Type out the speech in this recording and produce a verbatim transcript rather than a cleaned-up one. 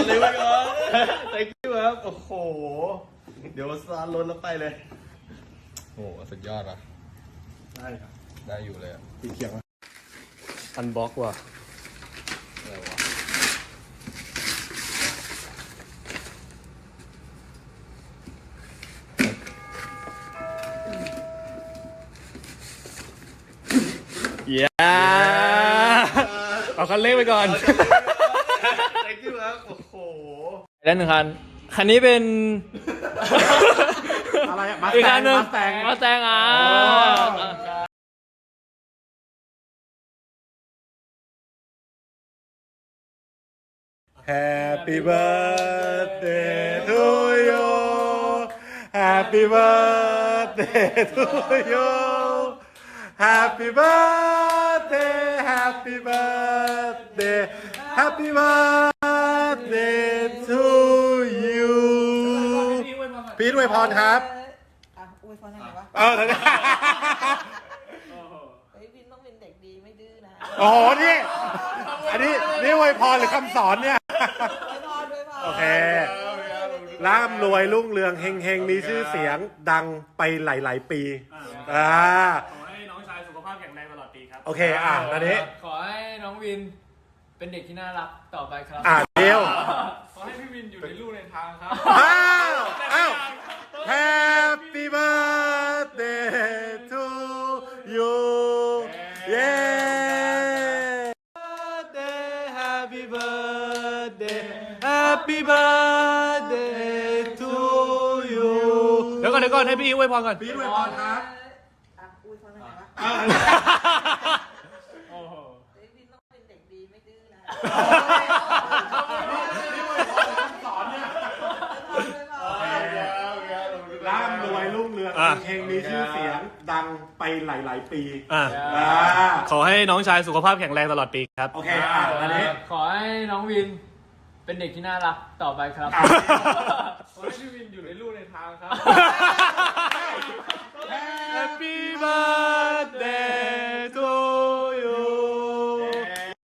อนเลยไว้ก่อน thank you ครับโอ้โหเดี๋ยวสตาร์ทรถแล้วไปเลยโอ้สุดยอดอ่ะได้ครับได้อยู่เลยอ่ะตีเขียงอันบ็อกว่ะอะไรวะเย้เอาคันเร่งไปก่อน thank you ครับโอ้โหได้หนึ่งคันคันนี้เป็นอะไรอะอีกคันหนึ่งมาแตงมาแตงอ่ะ Happy birthday to you Happy birthday to you Happy birthday Happy birthday Happy birthday to you พีทอวยพรครับอ่ะอวยพรทางไหนวะเออเฮ้ยวินต้องเป็นเด็กดีไม่ดื้อนะโอ้โหนี่อันนี้นี่อวยพรหรือคำสอนเนี่ยอวยพรอวยพรโอเคร่ำรวยรุ่งเรืองเฮงเฮงมีชื่อเสียงดังไปหลาย ๆ ปีอ่าขอให้น้องชายสุขภาพแข็งแรงตลอดปีครับโอเคอ่ะอันนี้ขอให้น้องวินเป็นเด็กที่น่ารักต่อไปครับอ่ะเดียวขอให้พี่วินอยู่ในลู่ในทางครับอ้าวอ้าว Happy birthday to you เย้ Happy birthday Happy birthday to you เดี๋ยวก่อนเดี๋ยวก่อนให้พี่อีอวยพรก่อนพีทอวยพรครับอ่ะอวยพรทางไหนวะโอ้โหเฮ้ยวินต้องเป็นเด็กดีไม่ดื้อนะสอนเนี่ยอวยพรอวยพรร่ำรวยรุ่งเรืองเฮงมีชื่อเสียงดังไปหลาย ๆ ปีอ่ะอ่าขอให้น้องชายสุขภาพแข็งแรงตลอดปีครับโอเคอ่ะอันนี้ขอให้น้องวินเป็นเด็กที่น่ารักต่อไปครับอ่ะขอให้พี่วินอยู่ในลู่ในทางครับ Happy birthday